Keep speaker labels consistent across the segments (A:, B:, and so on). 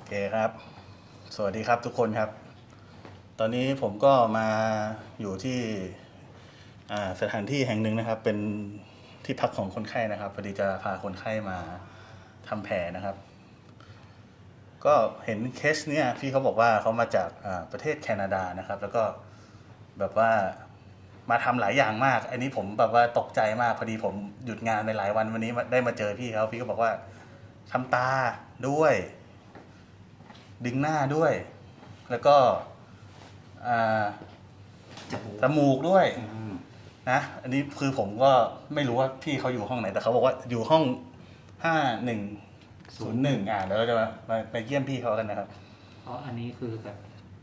A: เคครับ สวัสดีครับทุกคนครับ ตอนนี้ผมก็มาอยู่ที่สถานที่แห่งหนึ่งนะครับ เป็นที่พักของคนไข้นะครับพอดีจะพาคนไข้มาทำแผลนะครับ ก็เห็นเคสเนี่ยพี่เขาบอกว่าเขามาจากประเทศแคนาดานะครับ แล้วก็แบบว่ามาทำหลายอย่างมาก อันนี้ผมแบบว่าตกใจมากพอดีผมหยุดงานไปหลายวันวันนี้ได้มาเจอพี่เขาพี่ก็บอกว่าทำตาด้วยดึงหน้าด้วย แล้วก็จมูกด้วยนะอันนี้คือผมก็ไม่รู้ว่าพี่เขาอยู่ห้องไหนแต่เขาบอกว่าอยู่ห้อง5101แล้วเราจะไปเยี่ยมพี่เขากันนะครับ
B: เพราะอันนี้คือแบบ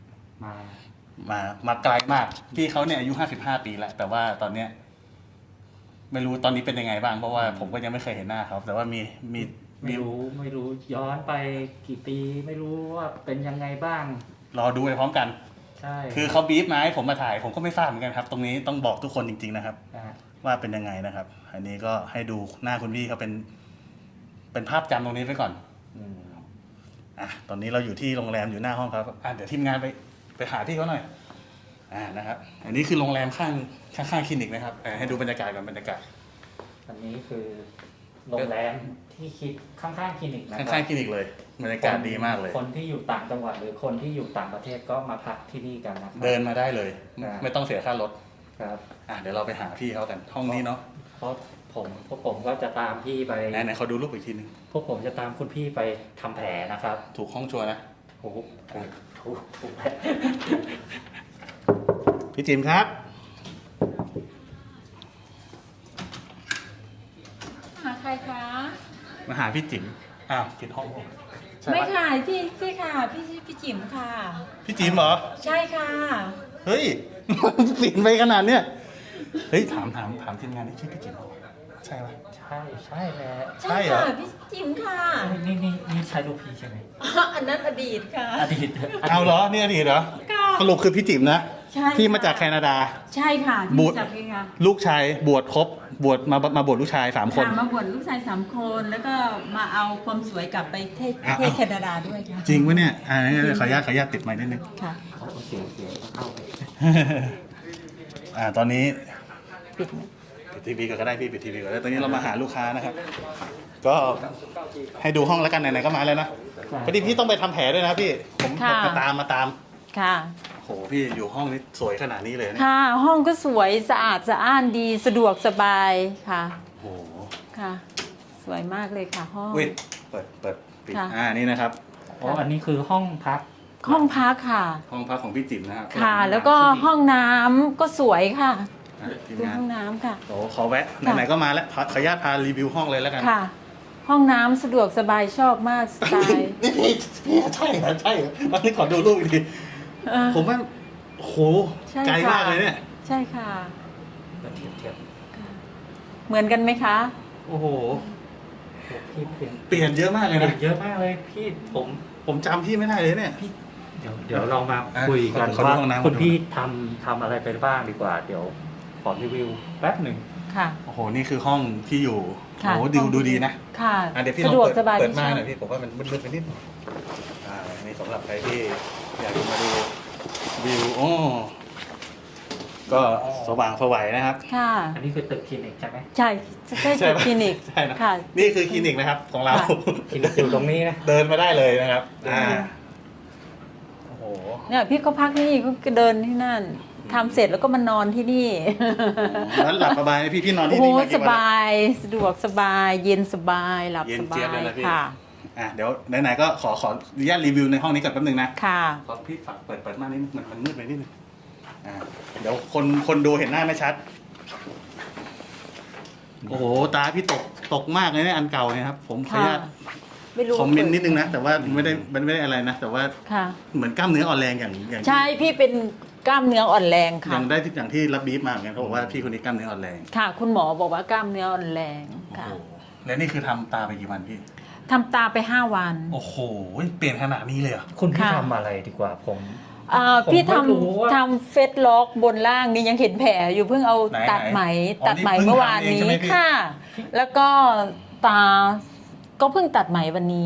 A: มาไกลมากพี่เขาเนี่ยอายุ55 ปีแล้วแต่ว่าตอนเนี้ยไม่รู้ตอนนี้เป็นยังไงบ้างเพราะว่าผมก็ยังไม่เคยเห็นหน้าเขาแต่ว่า
B: ไม่รู้ย้อนไปกี่ปีไม่รู้ว่าเป็นยังไงบ้าง
A: รอดูไปพร้อมกัน
B: ใช่
A: คือเขาบีบมาให้ผมมาถ่ายผมก็ไม่ทราบเหมือนกันครับตรงนี้ต้องบอกทุกคนจริงๆนะครับว่าเป็นยังไงนะครับอันนี้ก็ให้ดูหน้าคุณพี่เขาเป็นภาพจำตรงนี้ไว้ก่อนตอนนี้เราอยู่ที่โรงแรมอยู่หน้าห้องครับเดี๋ยวทีมงานไปหาพี่เขาหน่อยนะครับอันนี้คือโรงแรมข้างคลินิกนะครับให้ดูบรรยากาศก่อนบรรยากาศ
B: อันนี้คือโรงแรมที่คิดข้างๆคลินิกนะครับ
A: ข้างคลินิกเลยบรรยากาศดีมากเลย
B: คนที่อยู่ต่างจังหวัดหรือคนที่อยู่ต่างประเทศก็มาพักที่นี่กันนะครับ
A: เดินมาได้เลยไม่ต้องเสียค่ารถ
B: ครับ
A: เดี๋ยวเราไปหาพี่เขากันห้องนี้เนาะ
B: เพราะพวกผมก็จะตามพี่ไป
A: ไหนเขาดูรูปอีกทีนึง
B: พวกผมจะตามคุณพี่ไปทำแผลนะครับ
A: ถูกห้องชัวร์นะ
B: ถูก
A: พี่จิมครับ
C: หาใครคะ
A: มาหาพี่จิ๋มผิดห้อง
C: ไม่ค่ะพี่ค่ะพี่จิ๋มค่ะ
A: พี่จิ๋มเหรอ
C: ใช่ค่ะ
A: เฮ้ยเปลี่ยนไปขนาดเนี้ยเฮ้ยถามทีมงานนี่ชื่อพี่จิ๋มใช่ไหม
B: ใช่แหละ
C: ใช่ค่ะพี่จิ๋มค่ะ
B: นี่ใช่ลูกพี่ใช่ไหม
C: อันนั้นอดีตค่ะ
B: อดีต
A: เอาเหรอนี่อดีตเหรอสรุปคือพี่จิ๋มนะที่มาจากแคนาดา
C: ใช่ค่ะ
A: บวชลูกชายบวชครบบวชมาบวชลูกชาย3 คน
C: มาบวชลูกชาย3 คนแล้วก็มาเอาความสวยกลับไปประเทศแคนาดาด้วยค่ะ
A: จริงไหมเนี่ยขออนุญาตติดไมค์นิดนึง
C: ค่ะ
B: เสียเข้า
A: ตอนนี้
C: ปิด
A: ทีวีก็ได้พี่ปิดทีวีก็ได้ตอนนี้เรามาหาลูกค้านะครับก็ให้ดูห้องแล้วกันไหนๆก็มาแล้วนะพอดีพี่ต้องไปทำแผลด้วยนะพี่ผมมาตาม
C: ค่ะ
A: โหพี่อยู่ห้องนี้สวยขนาดนี้เลยนะ
C: ค่ะห้องก็สวยสะอาดสะอ้านดีสะดวกสบายค่ะ
A: โห
C: ค่ะสวยมากเลยค่ะห้อง
A: เปิดปิดนี่นะครับ
B: อันนี้คือห้องพัก
C: ค่ะ
A: ห้องพักของพี่จิ๋มนะครับ
C: ค่ะแล้วก็ห้องน้ำก็สวยค่ะดูห้องน้ำค่ะ
A: โอ้ขอแวะไหนๆก็มาแล้วขออนุญาตพารีวิวห้องเลยแล้วกัน
C: ค่ะห้องน้ำสะดวกสบายชอบมากสไตล์
A: นี่พี่ใช่เหรอวันนี้ขอดูรูปอีกทีผมว่าโหไกลมากเลยเนี่ย
C: ใช่ค่ะ
B: เทียบ
C: เหมือนกันไหมคะ
A: โอ้โห
B: พี่
A: เปลี่ยนเยอะมากเลยนะ
B: เยอะมากเลยพี่
A: ผมจำพี่ไม่ได้เลยเนี่ย
B: เดี๋ยวเรามาคุยกันว่าคุณพี่ทำอะไรไปบ้างดีกว่าเดี๋ยวขอรีวิวแป๊บหนึ่ง
C: ค่ะ
A: โอ้โหนี่คือห้องที่อยู่โอ้โหดูดีนะ
C: ค่ะ
A: เดี๋ยวพี่ลองเปิดม่านหน่อยพี่ผมว่ามันมืดไปนิดนี่สำหรับใครที่อยากมาดูวิวก็สว่างสวัยนะครับ
C: ค่ะ
B: อันนี้คือตึกคลินิกใช่ไหม
C: ใช่ตึกคลินิก
A: ใช่ค่ะนี่คือคลินิกนะครับของเรา
B: คลินิกอยู่ตรงนี้นะ
A: เดินมาได้เลยนะครับโอ้โห
C: เนี่ยพี่เขาพักนี่ก็เดินที่นั่นทำเสร็จแล้วก็มานอนที่นี่
A: นั้นหลับสบายพี่นอนที่นี่มากี่วัน
C: สบายสะดวกสบายเย็นสบายหลับสบายค่ะ
A: เดี๋ยวไหนๆก็ขออนุญาตรีวิวในห้องนี้ก่อนแป๊บนึงนะ
C: ค่ะ
A: ขอพี่ฝากเปิดม่านนิดมันมืดไปนิดนึงเดี๋ยวคนดูเห็นหน้าไม่ชัดโอ้โหตาพี่ตกมากเลยเนี่ยอันเก่าเนี่ยครับผมขออนุญาตคอมเมนต์นิดนึงนะแต่ว่าไม่ได้อะไรนะแต่ว่าเหมือนกล้ามเนื้ออ่อนแรงอย่าง
C: ใช่พี่เป็นกล้ามเนื้ออ่อนแรงค่ะ
A: อย่างที่รับบีฟมาเหมือนกันเขาบอกว่าพี่คนนี้กล้ามเนื้ออ่อนแรง
C: ค่ะคุณหมอบอกว่ากล้ามเนื้ออ่อนแรงค่ะ
A: และนี่คือทำตาไปกี่วันพี่
C: ทำตาไป5 วัน
A: โอ้โหเปลี่ยนขนาดนี้เลยเหรอ
B: คุณพี่ทำอะไรดีกว่า
C: พี่ทำเฟซล็อกบนล่างนี่ยังเห็นแผลอยู่เพิ่งเอาตัดไหมเมื่อวานนี้ค่ะแล้วก็ตาก็เพิ่งตัดไหมวันนี้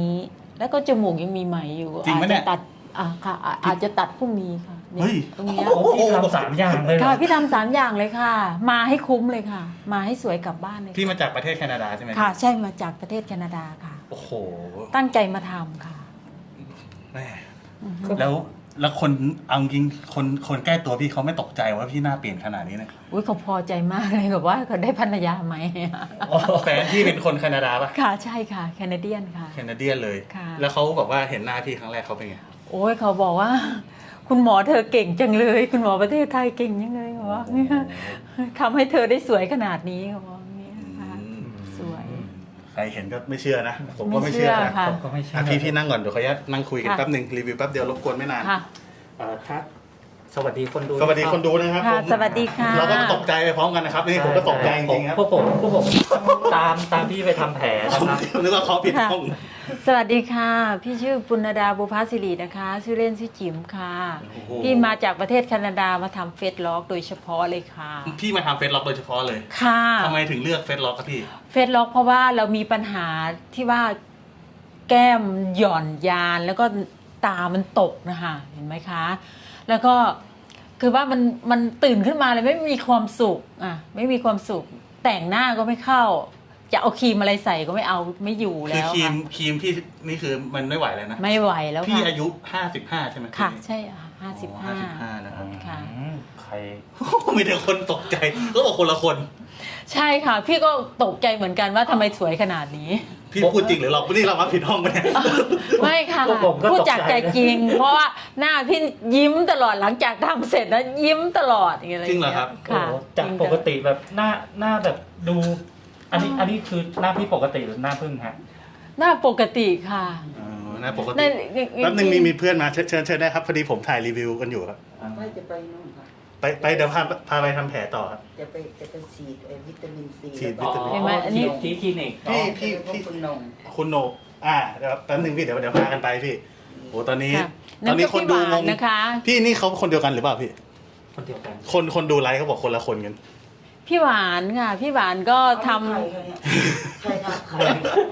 C: แล้วก็จมูกยังมีไหมอยู่
A: จริง
C: อา
A: ปะ
C: จ
A: เนี่
C: จะ
A: ย
C: ตัดค่ะอาจจะตัดพรุ่งนี้ค่ะนี่
A: เฮ้ย
C: ตรงเนี้ย
B: โอ้พี่ทำ3 อย่างเลยเหร
C: ค่ะ
B: อ
C: พี่ทำ3 อย่างเลยค่ะ มาให้คุ้มเลยค่ะ มาให้สวยกลับบ้านเลย
A: พี่มาจากประเทศแคนาดาใช่ไหม
C: ค่ะ ใช่มาจากประเทศแคนาดาค่ะ
A: โอ้โห
C: ตั้งใจมาทำค่ะ
A: แม่
C: อือฮึ
A: แล้วคนเอาจริงคนใกล้ตัวพี่เขาไม่ตกใจว่าพี่หน้าเปลี่ยนขนาดนี้เนี่ย
C: อุ้ยเขาพอใจมากเลยแบบว่าเขาได้ภรรยาไหม
A: แฟนพี่เป็นคนแคนาดาปะ
C: ค่ะใช่ค่ะแคนาเดียนค่ะ
A: แคนาเดียนเลย
C: ค่ะ
A: แล้วเขาบอกว่าเห็นหน้าพี่ครั้งแรกเขาเป็นไง
C: โอ้ยเขาบอกว่า คุณหมอเธอเก่งจังเลย คุณหมอประเทศไทยเก่งจังเลยเขาบอกเนี่ยทำให้เธอได้สวยขนาดนี้เขาบอกเนี่ยค่ะสวย
A: ใครเห็นก็ไม่เชื่อนะ ผมก็ไม่เชื่อนะ
C: ค่ะ
B: ผมก็ไม่เชื่อ
A: พี่นั่งก่อนเดี๋ยวขออนุญาตนั่งคุยกัน
C: ค่ะ
A: แป๊บหนึ่งรีวิวแป๊บเดียวรบกวนไม่นาน
C: ค่ะ
B: ครับสวัสดีคนดู
A: สวัสดีคนดูนะครับ
C: ค่ะ
A: ผม
C: สวัสดีค่ะ
A: เราก็ตกใจไปพร้อมกันนะครับนี่ผมก็ตกใจจริงๆครับ
B: พวกผมตามพี่ไปทำแผลนะครับ
A: นึกว่าเขาผิดห้อง
C: สวัสดีค่ะ พี่ชื่อปุณดาบุพาสิรินะคะ ชื่อเล่นชื่อจิ๋มค่ะ
A: โอ้โห
C: พี่มาจากประเทศแคนาดามาทำเฟซล็อกโดยเฉพาะเลยค่ะ
A: พี่มาทำเฟซล็อกโดยเฉพาะเลย
C: ค่ะ
A: ทำไมถึงเลือกเฟซล็อกครับพี่
C: เฟซล็อกเพราะว่าเรามีปัญหาที่ว่าแก้มหย่อนยานแล้วก็ตามันตกนะคะเห็นไหมคะ แล้วก็คือว่ามันตื่นขึ้นมาเลยไม่มีความสุขไม่มีความสุข แต่งหน้าก็ไม่เข้า จะเอาครีมอะไรใส่ก็ไม่เอาไม่อยู่
A: คือ
C: แล้ว
A: ครีม
C: ค่ะ
A: ครีมพี่นี่คือมันไม่ไหวแล้วนะ
C: ไม่ไหวแล้ว
A: พี่
C: ค่ะ
A: อายุ55ใช่ไหม
C: ค่ะ
A: พี่
C: ใช่55
A: 55นะครับ
C: ค่ะ
B: ใคร
A: มีแต่คนตกใจก็บอกคนละคน
C: ใช่ค่ะ พี่ก็ตกใจเหมือนกันว่าทำไมสวยขนาดนี้
A: พี่พูดจริงหรือเรานี่เรามาผิดห้องไปเนี่ย
C: ไม่ค่ะ
B: พวกผมก็
C: พูด
B: ตกใจ
C: จากใจจริง เพราะว่าหน้าพี่ยิ้มตลอดหลังจากทำเสร็จแล้วยิ้มตลอดอย่างเงี้ย
A: จริงเหรอครับ
C: ค่ะ
B: โอ้จากปกติแบบหน้าแบบดู อันนี้คือหน้าพี่ปกติหรือหน้าพึ่งฮะ
C: หน้าปกติค่ะ
A: นะปกติ
C: ใน
A: แป๊บนึงมีเพื่อนมาเชิญได้ครับพอดีผมถ่ายรีวิวกันอยู่ครับ
D: ไม่จะไปนู่นค่ะ
A: ไปเดี๋ยวพาไปทำแผลต่อครับ
D: จะไปฉีดวิตามินซี
A: ฉีด
D: แล้วก็
C: เห็นไหมอันนี้
B: ที่คลินิก
A: พี่
D: พวกคุณนง
A: คุณโหนกเดี๋ยวแป๊บนึงพี่เดี๋ยวพากันไปพี่โอ้ตอนนี้
C: ค่ะ
A: ตอนนี้คนดู
C: นั่นก็พี่ห
A: ง
C: วาน
A: ง
C: นะคะ
A: พี่นี่เขาคนเดียวกันหรือเปล่าพี่
B: คนเดียวกัน
A: คนดูไลฟ์เขาบอกคนละคนกัน
C: พี่หวานค่ะ พี่หวานก็ทำ
D: ใครครับใครง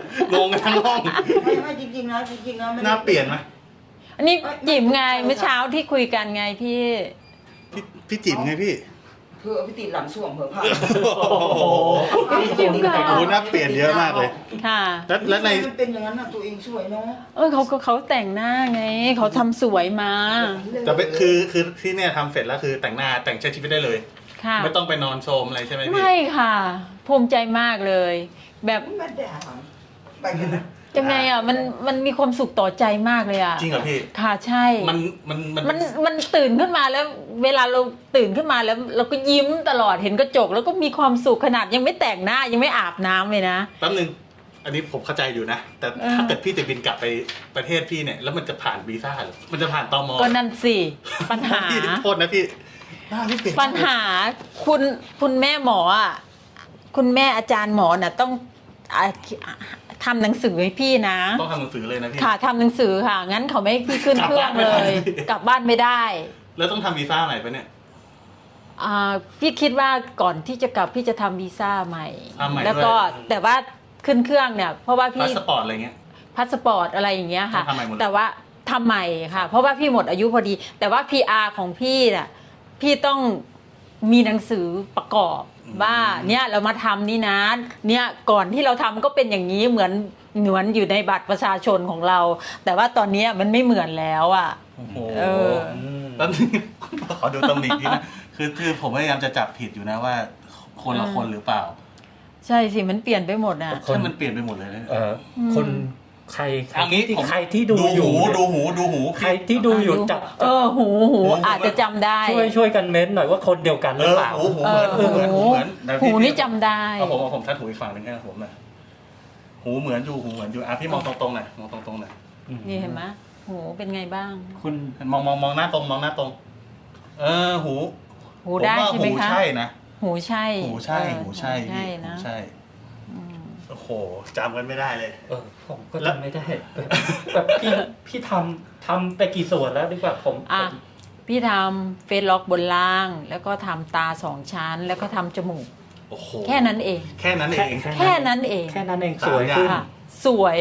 A: งกันทั้งห้อง
D: ไม่จริงๆนะจริงๆนะไม่
A: หน้าเปลี่ยนไหม
C: อันนี้จิ๋มไงเมื่อเช้าที่คุยกันไงพี่
A: พี่จิ๋มไงพี่
D: คือเอาไปติดหลังส่วงเผื่อผ่า
A: โอ้โห
C: จิ๋มค่ะ
A: โอ้โหหน้าเปลี่ยนเยอะมากเลย
C: ค่ะ
A: แล้วใน
D: มันเป็นอย่างนั้นนะตัวเองสวยเนาะ
C: เขาแต่งหน้าไงเขาทำสวยมา
A: จะเป็นคือที่เนี่ยทำเสร็จแล้วคือแต่งหน้าแต่งใช้ชีวิตได้เลย
C: ค่ะ
A: ไม่ต้องไปนอนโชมอะไรใช่ไหมพี่
C: ไม่ค่ะ ภูมิใจมากเลย แบบ
D: ไม่ได้ไปกันนะ
C: ยังไงมันมีความสุขต่อใจมากเลยอ่ะ
A: จริงเหรอพี่
C: ค่ะใช่
A: มัน
C: ตื่นขึ้นมาแล้ว เวลาเราตื่นขึ้นมาแล้ว เราก็ยิ้มตลอดเห็นกระจก แล้วก็มีความสุขขนาดยังไม่แต่งหน้ายังไม่อาบน้ำเลยนะ
A: แป๊บนึงอันนี้ผมเข้าใจอยู่นะ แต่ถ้าเกิดพี่จะบินกลับไปประเทศพี่เนี่ยแล้วมันจะผ่านวีซ่าหรือมันจะผ่านตม
C: ก็นั่นสิปัญหา
A: พี่โทษนะพี่หน้าพี่เปลี่ยน
C: ปัญหาคุณแม่หมออ่ะคุณแม่อาจารย์หมอน่ะต้องอ่ะทำหนังสือให้พี่นะ
A: ต้องทำหนังสือเลยนะพี่
C: ค่ะทำหนังสือค่ะ งั้นเขาไม่ให้พี่ขึ้นเครื่องเลย กลับบ้านไม่ได้
A: แล้วต้องทำวีซ่าใหม่ปะเนี่ย
C: พี่คิดว่าก่อนที่จะกลับพี่จะทำวีซ่าใหม่
A: ทำใหม่
C: แล้วก็
A: ด้วย
C: แต่ว่าขึ้นเครื่องเนี่ย เพราะว่า
A: พา
C: พี่
A: สปอร์ตอะไรเงี้ย
C: พาสปอร์ตอะไรอย่างเงี้ยค่ะ
A: ต้องทำใหม่หมดเลย
C: แต่ว่าทำใหม่ค่ะ เพราะว่าพี่หมดอายุพอดี แต่ว่า PR ของพี่น่ะพี่ต้องมีหนังสือประกอบว่าเนี่ยเรามาทำนี่นะเนี่ยก่อนที่เราทำก็เป็นอย่างนี้เหมือนอยู่ในบัตรประชาชนของเรา แต่ว่าตอนนี้มันไม่เหมือนแล้วอ่ะ
A: โอ้โห
C: เออ
A: แป๊บนึงขอดูตำหนิพี่นะคือผมพยายามจะจับผิดอยู่นะว่า คนละคนหรือเปล่า
C: ใช่สิมันเปลี่ยนไปหมดอ่ะ
A: ถ้ามันเปลี่ยนไปหมดเลยนะ
B: คนใคร
A: เอางี้ผม
B: ใครที่ดูอยู่
A: ดูหู
B: ใครที่ดูอยู่จับ
C: หูอาจจะจำได้
B: ช่วยกันเม้นหน่อยว่าคนเดียวกันหรือเปล่า
A: หูเหมือนหูเหมือน
C: หูนี่จำได้
A: เอาผมทัดหูอีกฝั่งหนึ่งให้ผมหน่อยหูเหมือนอยู่พี่มองตรงๆหน่อยมองตรงๆหน่อย
C: นี่เห็นไหมหูเป็นไงบ้าง
A: คุณมองหน้าตรงหู
C: หูได้
A: ผว่า
C: ใช่ไหมคะ
A: หูใช่นะ
C: หูใช่
A: หูใช่
C: เออ
A: หูใช่
C: ใช่นะ
A: หูใช่
C: อืม
A: โอ้โหจำกันไม่ได้เลย
B: ผมก็จำไม่ได้แบบพี่ทำไปกี่ส่วนแล้วดีกว่าผม
C: อ่ะพี่ทำเฟซล็อกบนล่าง แล้วก็ทำตา2 ชั้น แล้วก็ทำจมูก
A: โอ้โห
C: แค่นั้นเอง
A: แค่นั้นเอง
C: แค่นั้นเอง
B: แค่นั้นเองสวยขึ้น
C: ค่ะ สวย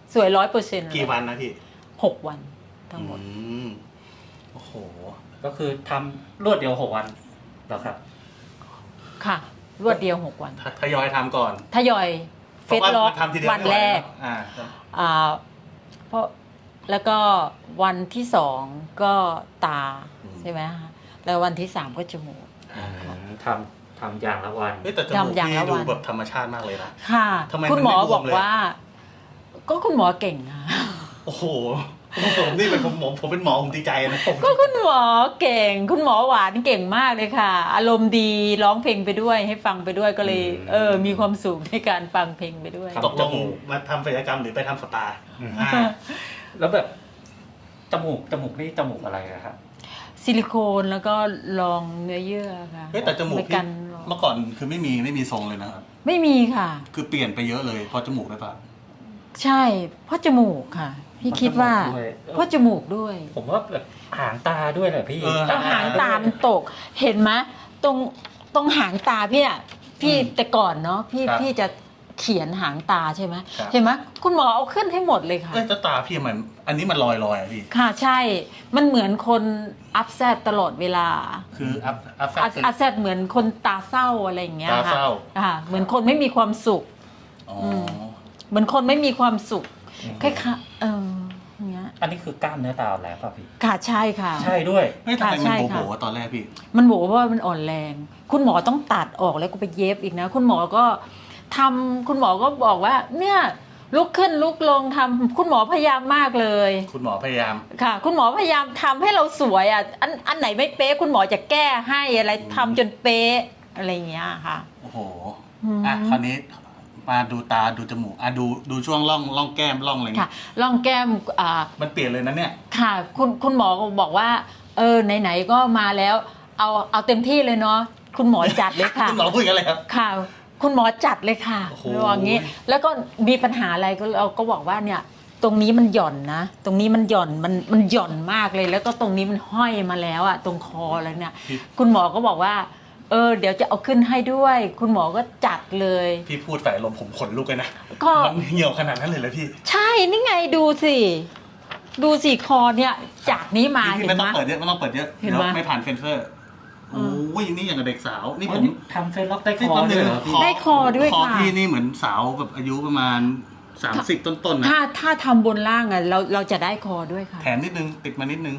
C: สวย100%
A: กี่วันนะพี่
C: 6 วันทั้งหมด
A: โอ้โห
B: ก็คือทำรวดเดียว6 วันแล้วครับ
C: ค่ะ รวดเดียว 6 วัน
A: ทยอยทำก่อน
C: ทยอยเฟสล็อก
A: ทำทีเดียว
C: วันแรก เพราะแล้วก็วันที่2ก็ตาใช่ไหมคะแล้ววันที่3ก็จมูก
B: ทำอย่างละวัน
A: แต่จมูกพี่ดูแบบธรรมชาติมากเลยนะ
C: ค่ะ
A: ทำไม
C: คุณหมอ
A: มันไม่บวม
C: บอก
A: เลย
C: ว่า ก็คุณหมอเก่งค่ะ
A: โอ้โหผมนี่เป็นผมเป็นหมอผมดีใจนะผม
C: ก็คุณหมอเก่ง คุณหมอหวานเก่งมากเลยค่ะ อารมณ์ดีร้องเพลงไปด้วยให้ฟังไปด้วยก็เลย มีความสุขในการฟังเพลงไปด้วย
B: ครับ
A: ตกลงมาทำศัลยกรรมหรือไปทำสปาอ่า
B: แล้วแบบจมูกนี่จมูกอะไรอะครับ
C: ซิลิโคนแล้วก็รองเนื้อเยื่อค่ะ
A: แต่จมูก
C: ไม่
A: พี่
C: กัน
A: เมื่อก่อนคือไม่มีทรงเลยนะครับ
C: ไม่มีค่ะ
A: คือเปลี่ยนไปเยอะเลยเพราะจมูกได้ปะ
C: ใช่เพราะจมูกค่ะ พี่คิดว่า เพราะจมูกด้วย
B: ผมว่าแบบหางตาด้วยแหละพี่
C: แล้วหางตามันตก เห็นไหมตรงหางตาพี่อะพี่แต่ก่อนเนาะพี่จะเขียนหางตาใช่ไหมเห็นไหมคุณหมอเอาขึ้นให้หมดเลยค่ะ
A: แต่ตาพี่มันอันนี้มันลอยอะพี่
C: ค่ะใช่ มันเหมือนคนอัพแซดตลอดเวลา
A: คืออัพ
C: อัพแซดเหมือนคนตาเศร้าอะไรอย่างเงี้ย
A: ตาเศร้า
C: ค่ะเหมือนคนไม่มีความสุข
A: อ๋อ
C: เหมือนคนไม่มีความสุขคล้ายๆอย่างเงี้ย
B: อันนี้คือกล้ามเนื้อตาแล้วป่ะพี่
C: ค่ะใช่ค่ะ
B: ใช่ด้วย
A: ทำไม
C: ใช่
A: มัน
C: ค่ะ
A: โบ๋ๆตอนแรกพี่
C: มันบอกว่ามันอ่อนแรง คุณหมอต้องตัดออกแล้วก็ไปเย็บอีกนะ คุณหมอก็คุณหมอก็บอกว่า เนี่ยลุกขึ้นลุกลงทำคุณหมอพยายามมากเลย
A: คุณหมอพยายาม
C: ค่ะ คุณหมอพยายามทำให้เราสวยอ่ะอันไหนไม่เป๊ะคุณหมอจะแก้ให้อะไรทำจนเป๊ะอะไรอย่างเงี้ยค่ะ
A: โอ้โหคราวนี้มาดูตาดูจมูกดูช่วงร่องแก้มร่องอะไร
C: ค่ะ
A: เงี้ย
C: ร่องแก้ม
A: มันเปลี่ยนเลยนะเนี่ย
C: ค่ะคุณหมอก็บอกว่าไหนๆก็มาแล้วเอาเต็มที่เลยเนาะคุณหมอจัดเลยค่ะ
A: คุณหมอพูดกันเลยครับ
C: ค่ะ คุณหมอจัดเลยค่ะ
A: โอ้โห
C: ว่างี้ แล้วก็มีปัญหาอะไรก็เราก็บอกว่าเนี่ยตรงนี้มันหย่อนนะตรงนี้มันหย่อนมันหย่อนมากเลย แล้วก็ตรงนี้มันห้อยมาแล้วอะตรงคอแล้วเนี่ย คุณหมอก็บอกว่าเดี๋ยวจะเอาขึ้นให้ด้วย คุณหมอก็จัดเลย
A: พี่พูดฝ่ายลมผมขนลุกเลยนะ
C: ก็
A: มันเหี่ยวขนาดนั้นเลยเหรอพี่
C: ใช่นี่ไงดูสิคอเนี่ยจากนี้มา
A: พี่
C: เห็น
A: ไม่
C: ไห
A: ต้
C: ม
A: องเปิดเยอะไม่ต้องเปิดเยอะ
C: เห็น
A: เดี๋ยว
C: ไหม
A: ไม่ผ่านเฟนเซอร์โอ้ยนี่อย่างกับเด็กสาวนี่ผม
B: ทำเฟซล็อกได้ค
A: นี่
B: อ
A: ผม
B: ด้วยเหรอพี่
C: ได้คอด้วย
A: คอ
C: ค่ะ
A: พี่นี่เหมือนสาวแบบอายุประมาณ30ต้นๆนะ
C: ถ้าทำบนล่างอ่ะเราจะได้คอด้วยค่ะ
A: แถมนิดนึงติดมานิดนึง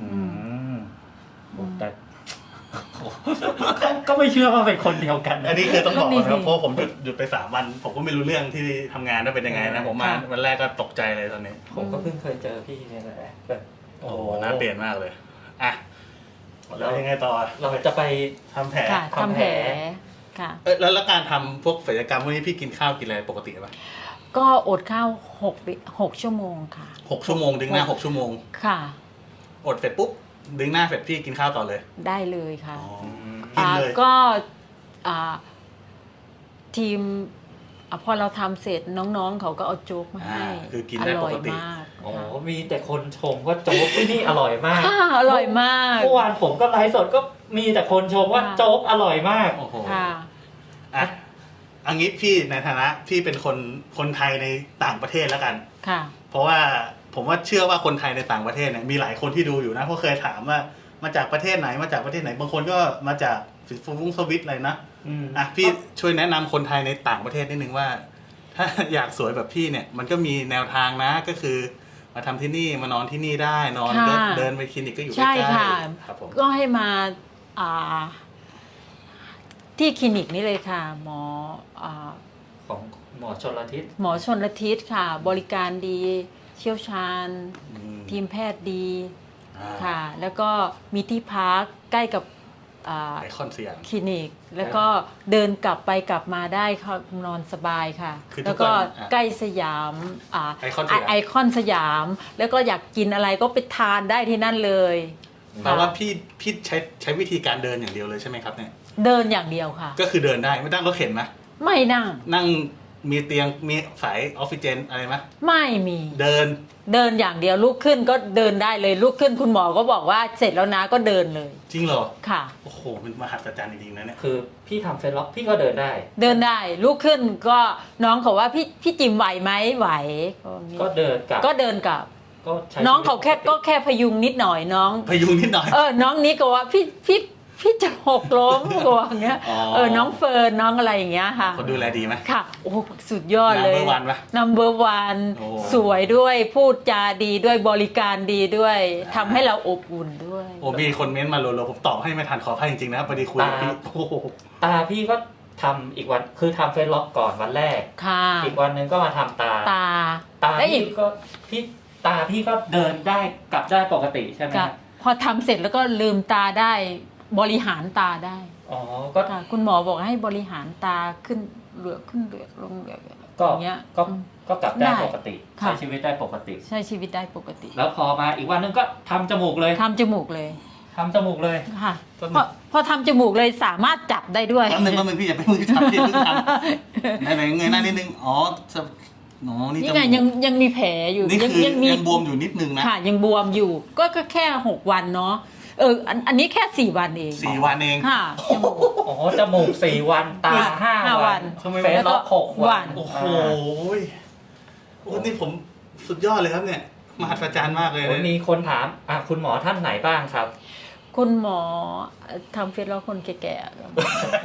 B: แต่ก็ไม่เชื่อว่าเป็นคนเดียวกัน
A: อันนี้คือต้องบอก
C: ก็ดี
A: นะครับ
C: สิ
A: เพราะผมหยุดไป3 วัน ผมก็ไม่รู้เรื่องที่ทำงานว่าเป็นยังไงนะผมมา
C: ค่ะ
A: วันแรกก็ตกใจเลยตอนนี้
B: ผมก็เพิ่งเคยเจอพี่เนี่ยแหละแบบ
A: โอ้โหน่าเปลี่ยนมากเลยอ่ะแล้วยังไงต่อ
B: เราจะไป
A: ทำแผล
C: ค่ะทำแผลค่ะ
A: แล้วการทำพวกศัลยกรรมพวกนี้พี่กินข้าวกินอะไรปกติป่ะ
C: ก็อดข้าว6 ชั่วโมงค่ะ
A: 6 ชั่วโมงดึงหน้า6 ชั่วโมง
C: ค่ะ
A: อดเสร็จปุ๊บดึงหน้าเสร็จพี่กินข้าวต่อเลย
C: ได้เลยค่ะ
A: กินเลย
C: ก็ทีมพอเราทำเสร็จน้องๆเขาก็เอาโจ๊กมาให้
A: คือกินได้ปกติ
C: อร่อยมาก
B: โอ้
C: ค่ะ
B: มีแต่คนชมว่าโจ๊กที่นี่อร่อยมาก
C: ค่ะอร่อยมาก
B: เมื่อวานผมก็ไลฟ์สดก็มีแต่คนชมว่าโจ๊กอร่อยมาก
A: โอ้โห
C: ค่ะ
A: อ่ะอันนี้พี่ในฐานะพี่เป็นคนไทยในต่างประเทศแล้วกัน
C: ค่ะ
A: เพราะว่าผมว่าเชื่อว่าคนไทยในต่างประเทศเนี่ยมีหลายคนที่ดูอยู่นะเพราะเคยถามว่ามาจากประเทศไหนมาจากประเทศไหนบางคนก็มาจากสวิตอะไรนะอ่ะพี่ช่วยแนะนำคนไทยในต่างประเทศนิดนึงว่า ถ้าอยากสวยแบบพี่เนี่ยมันก็มีแนวทางนะก็คือมาทำที่นี่มานอนที่นี่ได้นอนก็
C: ค่ะ
A: เดินไปคลินิกก็อยู่ใก
C: ใช่
A: ล้
C: ค่ะ
A: ๆครับผม
C: ก็ให้มาที่คลินิกนี้เลยค่ะ หมอ
B: ของหมอชลทิศ
C: หมอชนละทิศค่ะ บริการดีเชี่ยวชาญ ทีมแพทย์ดี ค่ะ แล้วก็มีที่พักใกล้กับ
A: ไอคอนสยาม
C: คลินิก แล้วก็เดินกลับไปกลับมาได้ค่ะนอนสบายค่ะ
A: คือทุก
C: แล้วก็
A: วัน
C: ใกล้สยาม
A: ไอคอนสยาม
C: ไอคอนสยาม แล้วก็อยากกินอะไรก็ไปทานได้ที่นั่นเลย
A: แปลว่าพี่ใช้วิธีการเดินอย่างเดียวเลยใช่ไหมครับเนี่ย
C: เดินอย่างเดียวค่ะ
A: ก็คือเดินได้ไม่ต้องรถเข็นนะ
C: ไม่นั่ง
A: นั่งมีเตียงมีสายออกซิเจนอะไรไหม
C: ไม่มี
A: เดิน
C: เดินอย่างเดียวลุกขึ้นก็เดินได้เลยลุกขึ้นคุณหมอก็บอกว่าเสร็จแล้วนะก็เดินเลย
A: จริงเหรอ
C: ค่ะ
A: โอ้โหเป็นมหัศจรรย์จริงๆนะเนี่ย
B: คือพี่ทำเฟซล็อกพี่ก็เดินได้
C: เดินได้ลุกขึ้นก็น้องเขาว่าพี่จิมไหวไหมไหว
B: ก็เดินกลับ
C: ก็เดินกลับ
B: ก็ใช้
C: น้องเขาแค่
B: ชีวิตป
C: ก็
B: ติ
C: แค่พยุงนิดหน่อยน้อง
A: พยุงนิดหน่อย
C: น้องนี้ก็ว่าพี่จะหกล้มก็ว่าอย่างเงี้ย
A: อ๋อ
C: น้องเฟิร์นน้องอะไรอย่างเงี้ยค่ะ
A: คนดูแลดีไหม
C: ค่ะโอ้สุดยอดเลย
A: Number one ปะ
C: Number one
A: โอ้
C: สวยด้วยพูดจาดีด้วยบริการดีด้วยทำให้เราอบอุ่นด้วย
A: โอ้มีคนเม้นต์มาโลผมตอบให้ไม่ทันขออภัยจริงๆนะพอดีคุยกับพี่โอ้โห
B: ตาพี่ก็ทำอีกวันคือทำเฟซล็อกก่อนวันแรก
C: ค่ะ
B: อีกวันหนึงก็มาทำตา
C: ตา
B: ตา
C: และอี
B: พี่
C: ก
B: ก็ตาพี่ก็เดินได้กลับได้ปกติใช่ไหม
C: ก็พอทำเสร็จแล้วก็ลืมตาได้บริหารตาได้
B: อ๋อก็
C: ค่ะคุณหมอบอกให้บริหารตาขึ้นเหลือกขึ้นเหลือกลงเหลือก
B: ก็
C: อย่างเงี้ย
B: ก็กลับได้
C: ได้
B: ปกติ
C: ค่ะ
B: ใช้ชีวิตได้ปกติ
C: ใช้ชีวิตได้ปกติ
B: แล้วพอมาอีกวันหนึงก็ทำจมูกเลย
C: ทำจมูกเลย
B: ทำจมูกเลย
C: ค่ะ
A: ต้น
C: พอทำจมูกเลยสามารถจับได้ด้วย
A: แป๊บนึงพี่อย่าไปมือทำพี่เพิ่งทำไหนเงยหน้านิดนึงอ๋อนี่
C: นี่
A: จ
C: ไง
A: มูก
C: ยังมีแผลอยู่
A: นี่คือ
C: มี
A: ยังบวมอยู่นิดนึงนะ
C: ค่ะยังบวมอยู่ก็แค่6 วันเนาะอันนี้แค่4 วันเอง
A: 4 วันเอง
C: ค่ะจมูก
B: อ๋อจมูก4 วันตา
C: ห้า
B: 5
C: วั
B: วัน
C: น
B: เฟซล็อก6 วัน
A: โอ้โหโอ้นี่ผมสุดยอดเลยครับเนี่ยมหัศจรรย์มากเลย
B: โอ้
A: นะ
B: มีคนถามคุณหมอท่านไหนบ้างครับ
C: คุณหมอทำเฟซแล้วคนแก่ๆครับ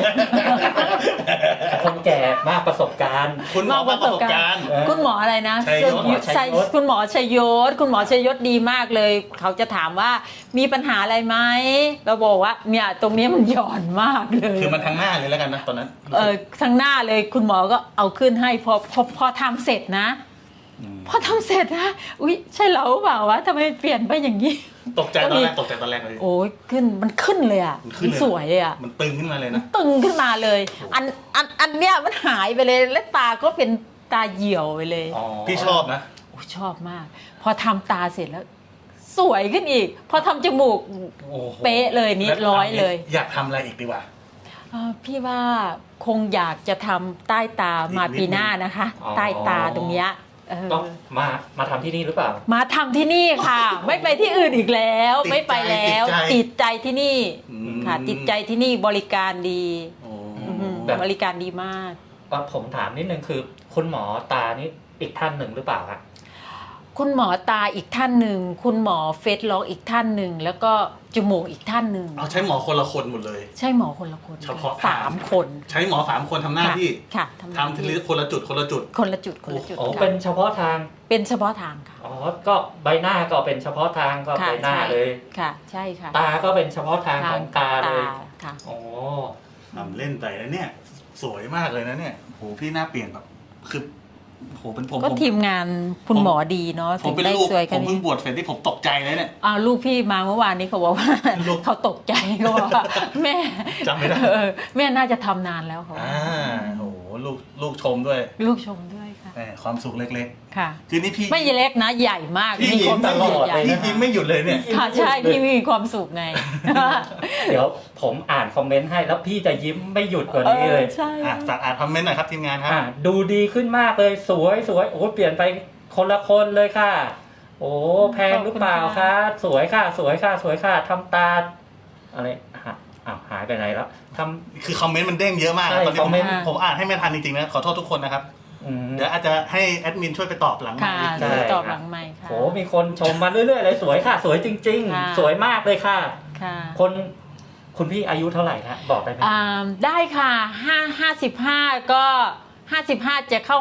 B: คนแก่มากประสบการณ์
A: คุณหมอประสบการณ์
C: คุณหมออะไรนะ
A: ชัยยศ
C: คุณหมอชัยยศคุณหมอชัยยศดีมากเลย เขาจะถามว่ามีปัญหาอะไรไหมเราบอกว่าเนี่ยตรงนี้มันหย่อนมากเลย
A: คือมันทางหน้าเลยแล้วกันนะตอนนั้น
C: ทั้งหน้าเลยคุณหมอก็เอาขึ้นให้พอทำเสร็จนะ พอทำเสร็จนะอุ๊ยใช่เราหรือเปล่าวะทำไมเปลี่ยนไปอย่างนี้
A: ตกใจตอนแรกเลย
C: โอ้ยมันขึ้นเลยอ่ะ
A: มันขึ้นเลย
C: สวยเลยอ่ะ
A: มันตึงขึ้นมาเลยนะ
C: ตึงขึ้นมาเลย อันเนี้ยมันหายไปเลยและตาก็เป็นตาเหี่ยวไปเลย
B: อ๋อ
A: พี่ชอบนะ
C: โอ้ยชอบมาก พอทำตาเสร็จแล้ว สวยขึ้นอีก พอทำจมูก
A: โอ้โห
C: เป๊ะเลยนี่
A: แล้ว
C: ร้อยเลย
A: อยากทำอะไรอีกดีกว่า
C: พี่ว่าคงอยากจะทำใต้ตามา
A: อีกนิดนึง
C: ปีหน้านะคะ
B: อ๋อ
C: ใต้ตาตรงเนี้ย
B: ต้องมาทำที่นี่หรือเปล่า
C: มาทำที่นี่ค่ะ ไม่ไปที่อื่นอีกแล้ว
A: ติดใจ
C: ไม่ไปแล้ว ติดใจที่นี่
A: อืม
C: ค่ะ ติดใจที่นี่บริการดี
A: โอ้
B: แบบ
C: บริการดีมาก
B: ผมถามนิดนึงคือ คุณหมอตานี่อีกท่านหนึ่งหรือเปล่าครับ
C: คุณหมอตาอีกท่านหนึ่งคุณหมอเฟสล็อกอีกท่านหนึ่งแล้วก็จมูกอีกท่านหนึ่ง
A: เอาใช้หมอคนละคนหมดเลย
C: ใช่หมอคนละคน
A: เฉพาะ
C: สามคน
A: ใช้หมอ3 คนทำหน้าที่
C: ค่ะ
A: ทำทีละคนละจุด
C: คนละจุดคนละจุด
B: อ๋อ
C: ค่ะ
B: เป็นเฉพาะทาง
C: เป็นเฉพาะทางค่ะ
B: อ๋อ ก็ใบหน้าก็เป็นเฉพาะทางก็
C: ค่ะ
B: ใบหน้า
C: ใช่
B: เลย
C: ค่ะ ใช่ค่ะ
B: ตาก็เป็นเฉพาะทางของตาเลย
C: ค่ะ
B: อ๋อ
A: ทำเล่นไปแล้วเนี่ย สวยมากเลยนะเนี่ยโหพี่หน้าเปลี่ยนแบบคือโหเป็นผม
C: ก็ทีมงานคุณหมอดีเนาะ
A: ผม
C: ถึง
A: เป็น
C: ได้
A: ลูก
C: สวย
A: ผ
C: กัน
A: มเพิ่งบวชเสร็จที่ผมตกใจเลยเนี่ย
C: ลูกพี่มาเมื่อวานนี้เขาบอกว่า
A: ลูก
C: เขาตกใจเขาบอกว่าแม่
A: จำไม่ได้
C: แม่น่าจะทำนานแล้วเขา
A: โหลูกชมด้วย
C: ลูกชมด้วยค่ะ
A: แหมความสุขเล็ก
C: ค่ะ
A: ๆ คือนี่พี่
C: ไม่เล็กนะใหญ่มาก
A: พี่
C: มี
A: ยิ้
C: ความ ม
A: ต
C: สุ
A: ล
C: ข
A: อด
C: ใหญ่
A: พี่ยิ้มไม่หยุดเลยเนี่ย
C: ค่ะใช่พี่มีความสุขไง
B: เดี๋ยวผมอ่านคอมเมนต์ให้แล้วพี่จะยิ้มไม่หยุดกว่านี้เลย
C: ใช่
A: ฝากอ่านคอมเมนต์หน่อยครับทีมงานครับ
B: ดูดีขึ้นมากเลยสวยโอ้เปลี่ยนไปคนละคนเลยค่ะ โอ้แพงหรือเปล่าคะสวยค่ะทำตาอะไรหายไปไหนแล้วทำ
A: คือคอมเมนต์มันเด้งเยอะมาก
B: ใช่
A: ตอนนี้
B: คอมเมนต์
A: ผมอ่านให้ไม่ทันจริงๆนะขอโทษทุกคนนะครับ เดี๋ยวอาจจะให้แอดมินช่วยไปตอบหลังไม
C: ค่ะ
A: ค์
B: ใช่
C: ตอบหลังไมค์ค่ะ
B: โหมีคนชมมาเรื่อยๆเลยสวยค่ะ สวยจริง
C: ค่ะ
B: ๆ สวยมากเลยค่ะ
C: ค่ะ
B: คุณพี่อายุเท่าไหร่คะบอกได้ไหม
C: ได้ค่ะ55ก็55จะเข้า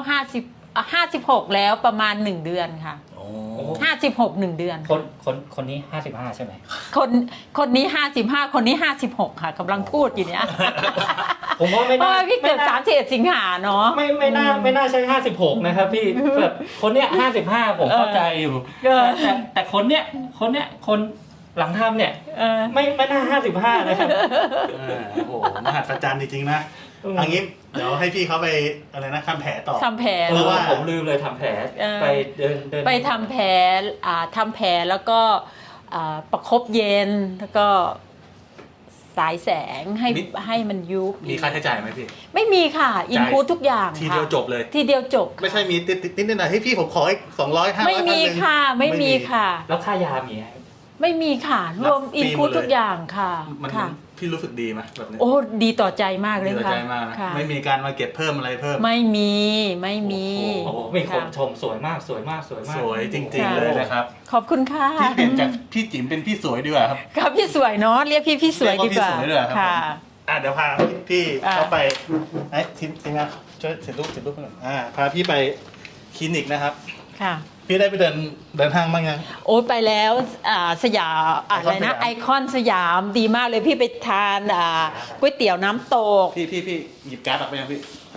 C: 56แล้วประมาณ1เดือนค่ะ
A: โอ้
C: 56 1เดือน
B: คนนี้55ใช่ไหม
C: คนนี้55คนนี้56ค่ะกำลังพูดอยู่เนี่ย
B: ผมว่าไม่
C: เพราะ
B: น่า
C: ว่าพี่เกิด31สิงหาเนาะ
B: ไม่น่าใช่56นะครับพี่แบบคนเนี้ย55ผมเข้าใจอยู่แต่คนเนี้ยคนหลังทำเนี่ยไม่น่า55นะครับ
A: โอ้โหมหัศจรรย์จริงๆนะอันนี้เดี๋ยวให้พี่เขาไปอะไรนะทำแผลต่อ
C: ทำแผล
A: เพราะว่า
B: ผมลืมเลยทำแผลไปเดิน
C: ไปทำแผลทำแผลแล้วก็ประคบเย็นแล้วก็สายแสงให้มันยุบ
A: มีค่าใช้จ่ายไหมพี่
C: ไม่มีค่ะอินคูดทุกอย่าง
A: ทีเดียว
C: ค่ะ
A: จบเลย
C: ทีเดียวจบ
A: ไม่ใช่มีติดนิดหน่อยให้พี่ผมขออีก200 500
C: ไม่มีค่ะ ไม่มีค่ะ
B: แล้วค่ายามีไหม
C: ไม่มีค่ะรวม
A: รับฟรี
C: อินคูด
A: หมดเลย
C: ทุกอย่างค่ะ
A: มัน
C: ค่ะ
A: พี่รู้สึกดีไหมแบบนี้
C: โอ้ดีต่อใจมากเลย
A: ดีต่อ
C: ค่ะ
A: ใจมากนะ
C: ค่ะ
A: ไม่มีการมาเก็บเพิ่มอะไรเพิ่ม
C: ไม่มีไม่มี
B: โอ้โหมีคน
C: ค่ะ
B: ชมสวยมากสวยมากสวยมาก
A: สวยจริงๆเลยนะครับ
C: ขอบคุณค่ะ
A: พี่เปลี่ยนจากพี่จิ๋มเป็นพี่สวยดีกว่าครับ
C: ครับพี่สวยเนาะเรียกพี่สวยดีกว่า
A: เรียกว่าพี่สวยดีกว่าครับ
C: ค่ะ
A: เดี๋ยวพาพี่
C: อ่า
A: เข้าไปไอ้ทีมงานช่วยเสร็จรูปหน่อยพาพี่ไปคลินิกนะครับ
C: ค่ะ
A: พี่ได้ไปเดินห้างบ้างยัง
C: โอ้ไปแล้วสยามอะไรนะไอคอนสยามดีมากเลยพี่ไปทานก๋วยเตี๋ยวน้ำตก
A: พี่หยิบการ์ดออกไปยังพี่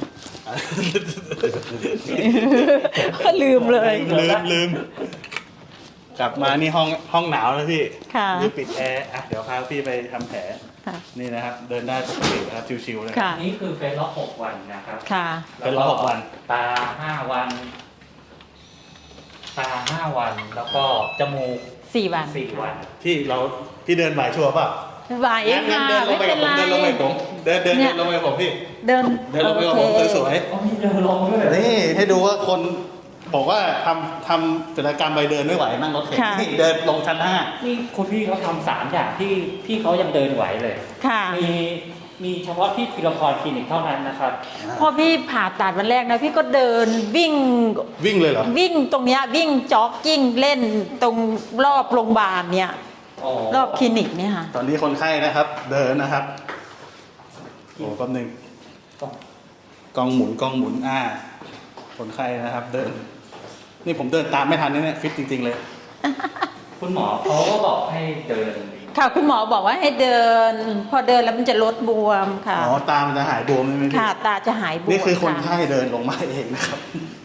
C: ลืมเลย
A: ลืมกลับมานี่ห้องหนาวแล้วพี่
C: ค่ะ
A: ดูปิดแอร์เดี๋ยวพาพี่ไปทำแผล
C: ค่ะ
A: นี่นะครับ เดินได้ปกตินะครับชิวๆเลย
C: ค่ะ
B: นี่คือเฟซล็อก6 วันนะครับ
C: ค่ะ
A: เป็นล็อก6 วัน
B: ตา5 วัน ตา5 วัน แล้วก็จมูก
C: 4 วัน
B: 4 วัน
A: พี่เดินไหวชัวร์ป่ะ
C: ไหว
A: งั้น
C: ค่ะ
A: เดินลง
C: ไม่
A: ไป
C: เป็
A: กับ
C: น
A: ผม
C: ไร
A: เดินลงไปกับผมพี่
C: เดิน
A: เดินลงไปกับผมสวย
B: อ๋อมีเดินลงด้วย
A: ๆนี่ให้ดูว่าคนบอกว่าทำศิลปกรรมไปเดินไม่ไหวนั่งรถเข็น
C: ค่ะ
A: นี่เดินลงชั้น
B: นี่คุณพี่เขาทำ3 อย่างที่พี่เขายังเดินไหวเลย
C: ค่ะ
B: มีเฉพาะที่ทีละครคลินิกเท่านั้นนะครับ
A: 5
C: พอพี่ผ่าตัดวันแรกนะพี่ก็เดินวิ่ง
A: วิ่งเลยเหรอ
C: วิ่งตรงเนี้ยวิ่งจ็อกกิ้งเล่นตรงรอบโรงพยาบาลเนี่ย รอบคลินิกเนี่ยค่ะ
A: ตอนนี้คนไข้นะครับ เดินนะครับโอ้แป๊บนึงกล้องหมุนคนไข้นะครับ เดิน นี่ผมเดินตามไม่ทันเนี่ยฟิตจริงๆเลย
B: คุณหมอเขาก็บอกให้เดิน
C: ค่ะคุณหมอบอกว่าให้เดิน พอเดินแล้วมันจะลดบวมค่ะ
A: อ๋อตามันจะหายบวมใช่ไหมพี่
C: ค่ะตาจะหายบวม
A: นี่คือคน
C: ะ
A: ไข้เดินลงมาเองนะครับ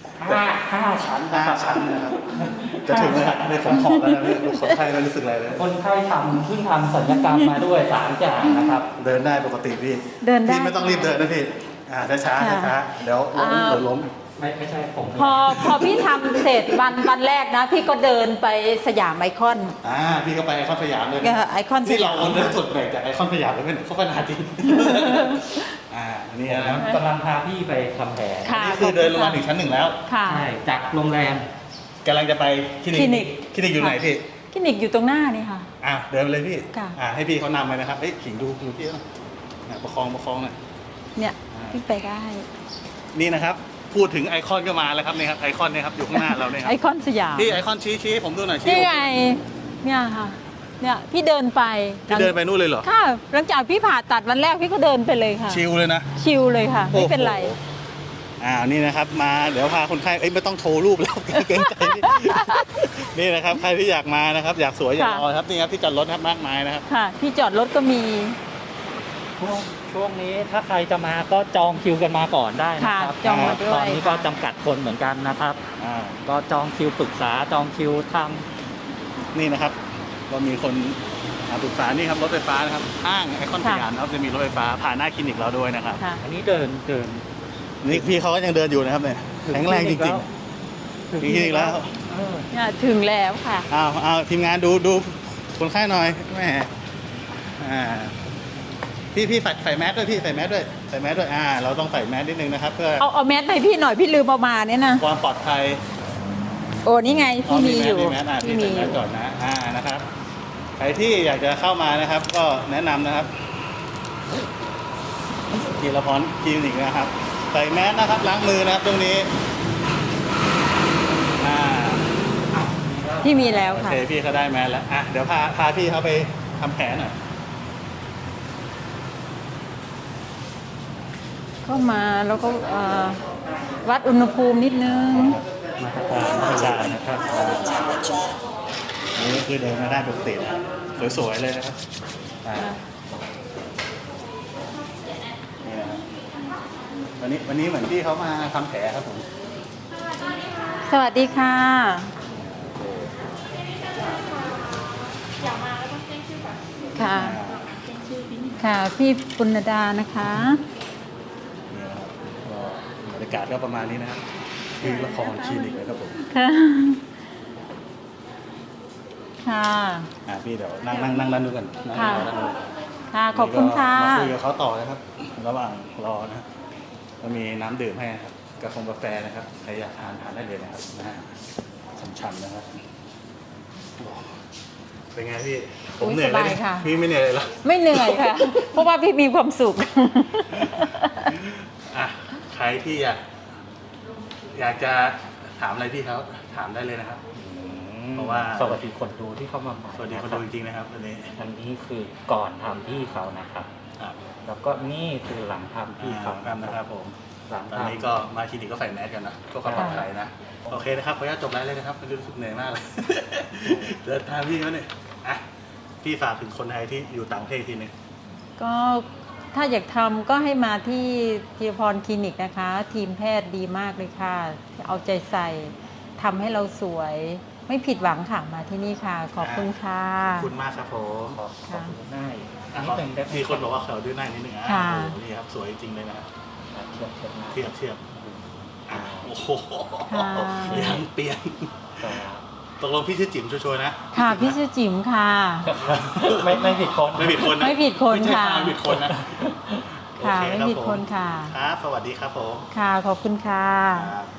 B: 5 ชั้น
A: ห้า
B: นะครับ
A: ชั้นนะครับ จะถึงแล้วครับนี่ผมหอบแล้วนะเนี่ยคนไข้ไม่รู้สึกอะไรเลย
B: คนไข้เพิ่งทำศัลยกรรมมาด้วย3 อย่างนะครับ
A: เดินได้ปกติพี่
C: เดินได้
A: พี่ไม่ต้องรีบเดินนะพี่ช้า
C: ค่ะ
A: ช้าเดี๋ยวล้ม
B: ไม่ใช่ผม
C: พอพี่ทำเสร็จวันแรกนะ พี่ก็เดินไปสยามไอคอน
A: พี่ก็ไปไอคอนสยามเลย
C: ไอคอนส
A: นี่เรา
C: ยาม
A: คนเดินสุดแบ่งจากไอคอนสยามเลยเป็นเขาขนาดนี้นี่นะ
B: กำลังพาพี่ไปทำแผล
C: ค่ะ
A: นี่คือเดินลงมาถึงชั้น 1แล้ว
C: ค่ะ
B: ใช่จากโรงแรม
A: กำลังจะไปคลินิกอยู่ไหนพี่
C: คลินิกอยู่ตรงหน้านี่ค่ะ
A: เดินไปเลยพี่
C: ค่ะ
A: ให้พี่เขานำไปนะครับขิงดูพี่หน่อยประคองหน่อย
C: เนี่ยพี่ไปได้
A: นี่นะครับ พูดถึงไอคอนก็มาแล้วครับนี่ครับไอคอนเนี่ยครับอยู่ข้างหน้าเราเนี่ยครั
C: ไอบ คอนสยาม
A: พี่ไอคอนชี้ให้ผมดูหน่อยชี้
C: นี่ไงเนี่ยค่ะ เนี่ยพี่เดินไป
A: พี่เดินไปนู่นเลยเหรอ
C: ค่ะหลังจากพี่ผ่าตัดวันแรกพี่ก็เดินไปเลยค่ะ
A: ชิลเลยนะ
C: ชิลเลยค่ะ ไม่เป็นไร
A: โอ้โหนี่นะครับมาเดี๋ยวพาคนไข้ไม่ต้องโชว์รูปแล้ว เกรงใจพี่นี่นะครับใครที่อยากมานะครับ อยากสวยอยากรอครับนี่ครับที่จอดรถครับมากมายนะครับ
C: ค่ะ ที่จอดรถก็มี
B: ช่วงนี้ถ้าใครจะมาก็จองคิวกันมาก่อนได้นะครับ
C: ค่ะจองมาด้วย
B: ตอนนี้ก็จำกัดคนเหมือนกันนะครับ ก็จองคิวปรึกษาจองคิวท
A: นี่นะครับก็มีคนปรึกษานี่ครับรถไฟฟ้านะครับห้างไอคอนสยามนะครับจะมีรถไฟฟ้าผ่านหน้าคลินิกเราด้วยนะครับ
C: ค่ะ
B: ำอันนี้เดิน
A: นี่พี่เขาก็ยังเดินอยู่นะครับเนี่ยแข็งแรงจริงๆถึงคลินิกแล้ว
C: เนี่ยถึงแล้วค่ะ
A: เอาทีมงานดูคนไข้หน่อยแหมพี่ใส่แมสด้วยพี่ใส่แมสด้วยเราต้องใส่แมสนิดนึงนะครับ เพื่อ
C: เอาแมสให้พี่หน่อยพี่ลืมเอามาเนี่ยนะ
A: ความปลอดภัย
C: โอ้นี่ไงที่มีอยู่
A: แมส
C: ที่
A: พี่
C: มี
A: ใส่
C: อ
A: แมส
C: ยู่
A: ก่อนนะนะครับใครที่อยากจะเข้ามานะครับ ก็แนะนำนะครับทีละพรคลินิกนะครับ ใส่แมสนะครับล้างมือนะครับตรงนี้
C: ที่มีแล้ว
A: โอ
C: ค่ะ
A: เคพี่เขาได้แมสแล้วเดี๋ยวพาพี่เขาไปทำแผลหน่อย
C: เข้ามาแล้วก็วัดอุณหภูมินิดนึง
B: มาตรการธรรมดานะครับ
A: นี่คือเดินมาได้ปกตินะสวยๆเลยนะครับนี่นะครับวันนี้เหมือนพี่เขามาทำแผลครับผม
C: สวัสดีค่ะ ค่ะ ค่ะ พี่ปุณดานะคะ
A: นี่นะครับก็บรรยากาศก็ประมาณนี้นะครับคือละครคลินิกเลยครับผม
C: ค่ะ ค่ะ
A: พี่เดี๋ยวนั่งด้านนู้นกันนั่ง
C: ค่ะ
A: ด้านนู้น
C: ค่ะขอบคุณค่ะ
A: มาคุยกับเขาต่อนะครับ ระหว่างรอนะก็มีน้ำดื่มให้นะครับกาแฟนะครับใครอยากทานได้เลยนะครับนะฮะช่ำๆนะครับเป็นไงพี่ผมเหนื่อยเลย
C: สบายค่ะ
A: พี่ไม่เหนื่อยเลยเหรอ
C: ไม่เหนื่อยค่ะ เพราะว่าพี่มีความสุข
A: อ่ะใครที่อยากจะถามอะไรพี่เขาถามได้เลยนะครับ เพราะว่า
B: สวัสดีคนดูที่เข้ามาใหม่
A: สวัสดีคนดูจริงๆนะครับวันนี้
B: อันนี้คือก่อนทำพี่เขานะครับ
A: อ่ะ
B: แล้วก็นี่คือหลังทำพี่เขา
A: ครับนะครับผม
B: หลัง
A: ตอน
B: ทำ
A: นี้ก็มาคลินิกก็ใส่แมสกันนะก็ความปลอดภัยนะโอเคนะครับขออนุญาตจบไลฟ์เลยนะครับไม่รู้สึกเหนื่อยมากเลย เดินทางพี่เขาเนี่ยอ่ะพี่ฝากถึงคนไทยที่อยู่ต่างประเทศทีนึง
C: ก็ถ้าอยากทำก็ให้มาที่ธีรพรคลินิกนะคะ ทีมแพทย์ดีมากเลยค่ะ เอาใจใส่ทำให้เราสวย ไม่ผิดหวังค่ะมาที่นี่ค่ะ ขอบคุณค่ะ
A: ขอบคุณมากครับผม
B: ขอบคุณง่าย
A: อ่ะ
B: นี่เป็นแบบ
A: มีคนบอกว่าเขาด้วยหน้านิดนึงอ่ะ
C: ค่ะ
A: โอ้โหนี่ครับสวยจริงๆเลยนะครับ
B: เทียบหน้า
A: เทียบอ่ะโอ้โห
C: ค่ะ
A: ยังเปลี่ยน
B: ครับ
A: ตกลงพี่ชื่อจิ๋มชัวร์ๆนะ
C: ค่ะพี่ชื่อจิ๋มค่ะ
B: ไม่ผิดคน
A: ไม่ผิดคนนะ
C: ไม่ผิดคน
A: ไม่ใช่
C: ค่ะ
A: ไม่ผิดคนนะ
C: ค่ะ
A: โอเ
C: ไม่ผิดคนค่ะ
A: ครับสวัสดีครับผม
C: ค่ะขอบคุณค่ะ
A: ครับ